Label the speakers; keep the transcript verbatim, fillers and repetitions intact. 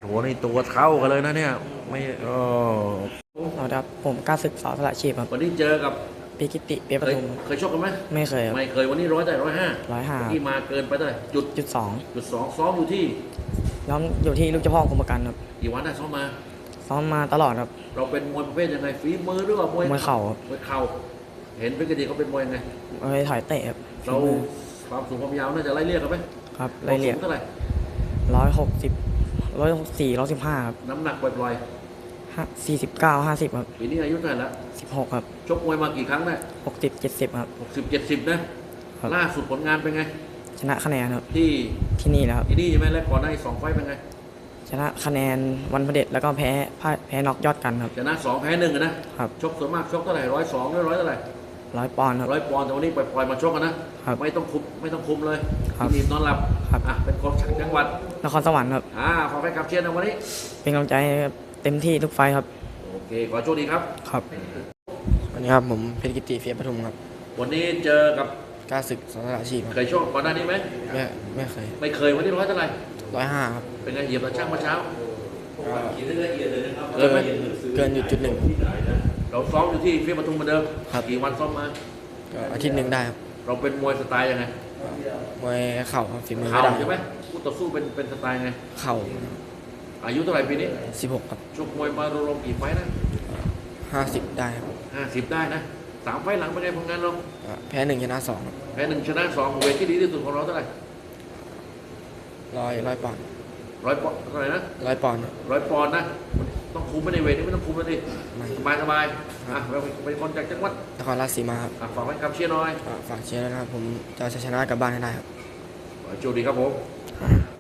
Speaker 1: โหนี่ตัวเท่ากันเลยนะเนี่ยไม่เออ
Speaker 2: สวัสดีครับผมกล้าศึกสอสละชีพครับ
Speaker 1: วันนี้เจอกับ
Speaker 2: ปีกิติเปียป
Speaker 1: เคย
Speaker 2: ทุม
Speaker 1: เคยชกกันไหม
Speaker 2: ไม่เคยครับ
Speaker 1: ไม่เคยวันนี้ร้อยแต่ร้อยห้า
Speaker 2: ร้อยห้า
Speaker 1: ที่มาเกินไปเท่าไหร่จุด
Speaker 2: จุดสอง
Speaker 1: จุดสองซ้อมอยู่ที่
Speaker 2: ย้อมอยู่ที่ลูกเจ้าพ่อกรมประกันครับ
Speaker 1: กี่วันได้ซ้อมมา
Speaker 2: ซ้อมมาตลอดครับ
Speaker 1: เราเป็นมวยประเภทยังไงฝีมือหรือว่ามวย
Speaker 2: มวยเข่าครับ
Speaker 1: มวยเข่าเห็นเป็นกติเขาเป็นมวยยังไง
Speaker 2: มวยถอยเตะครับ
Speaker 1: เราความสูงความยาวน่าจะไล่เรียกกันไหม
Speaker 2: ครับไล่เรียก
Speaker 1: เท่าไหร่
Speaker 2: ร้อยหกสิบร้อยหกสี่ร้อยสิบห้าครับ
Speaker 1: น้ำหนักปล่อย
Speaker 2: ห้าสี่สิบเก้าห้าสิบครับ
Speaker 1: ๆปีนี้อายุเท่าไหร่แล้ว
Speaker 2: สิบหกครับ
Speaker 1: ชกมวยมากี่ครั้งได้
Speaker 2: หกสิบเจ็ดสิบครับ
Speaker 1: หกสิบเจ็ดสิบนะครับล่าสุดผลงานเป็นไง
Speaker 2: ชนะคะแนนครับ
Speaker 1: ที่
Speaker 2: ที่นี่แล้วครับ
Speaker 1: ที่นี่ใช่ไหมแล้วก่อนหน้าอีกสองไฟต์เป็นไง
Speaker 2: ชนะคะแนนวันพระเด็จแล้วก็แพ้พ่ายแพ้น็อกยอดกันครับ
Speaker 1: ชนะสองแพ้หนึ่งนะครับชกส่วนมากชกเท่าไหร่ร้อยสองหรือร้อยเท่าไหร่
Speaker 2: ร้อยปอนด์ครับ
Speaker 1: ร้อยปอนด์แต่วันนี้ปล่อยๆมาชกกันนะครับไม่ต้องคุมไม่ต้องคุมเลย
Speaker 2: ครับ
Speaker 1: ทีมนอนหลับ
Speaker 2: ครับ
Speaker 1: อ่ะเป็นคนจากจังหวัด
Speaker 2: นครสวรรค์ครับ
Speaker 1: อ่าขอไปกับเชียร์นะวันนี้
Speaker 2: เป็นกำลังใจให้เต็มที่ทุกไฟครับ
Speaker 1: โอเคขอโชคดีครับ
Speaker 2: ครับวันนี้ครับผมเพชรกิติเฟียปทุมครับ
Speaker 1: วันนี้เจอกับ
Speaker 2: กล้าศึกสอสละชีพ
Speaker 1: เคยชกก่อนหน้านี้ไหม
Speaker 2: ไม่ไม่เคย
Speaker 1: ไม่เคยวันนี้ร้อยเท่าไหร่
Speaker 2: ร้อยห้าครับ
Speaker 1: เป็นไงเหยียบตะช่างเมื่อเช้า
Speaker 2: เกิน
Speaker 1: ไหม
Speaker 2: เกินอยู่จุดหนึ่ง
Speaker 1: เราซ้อมอยู่ที่เฟียปทุมเหมือนเดิมกี่วันซ้อมมา
Speaker 2: อาทิตย์หนึ่งได้ครับ
Speaker 1: เราเป็นมวยสไตล์ยังไง
Speaker 2: มวยเข่าฝีมือ
Speaker 1: เข่า
Speaker 2: ไม่ได้
Speaker 1: ใช่ไหมคู่ต่อสู้เป็นเป็นสไตล์ไง
Speaker 2: เข่า
Speaker 1: อายุเท่าไหร่ปีนี้
Speaker 2: สิบหกครับ
Speaker 1: ชกมวยมารวมๆกี่ไฟต์นะ
Speaker 2: ห้าสิบได้ครับ
Speaker 1: ห้าสิบได้นะสามไฟต์หลังเป็นไงผลงานเรา
Speaker 2: แพ้หนึ่งชนะสอง
Speaker 1: แพ้หนึ่งชนะสองเวทที่ดีที่สุดของเราเท่าไหร่
Speaker 2: ร้อยร้อยปอนด์
Speaker 1: ร้อยปอนด์เท่าไหร่นะ
Speaker 2: ร้อยปอนด์
Speaker 1: ร้อยปอนด์นะต้องคุมไม่ในเวทนี่ไม่ต้องคุมแล้วดิสบายสบายอ่ะเราเป็นคนจากจังหวัด
Speaker 2: นครราชสีมาครับ
Speaker 1: ฝากไว้คำเชียร์หน่อย
Speaker 2: ฝากเชียร์ด้วยนะครับผมจะชนะกลับบ้านให้ได้ครับ
Speaker 1: โชคดีครับผม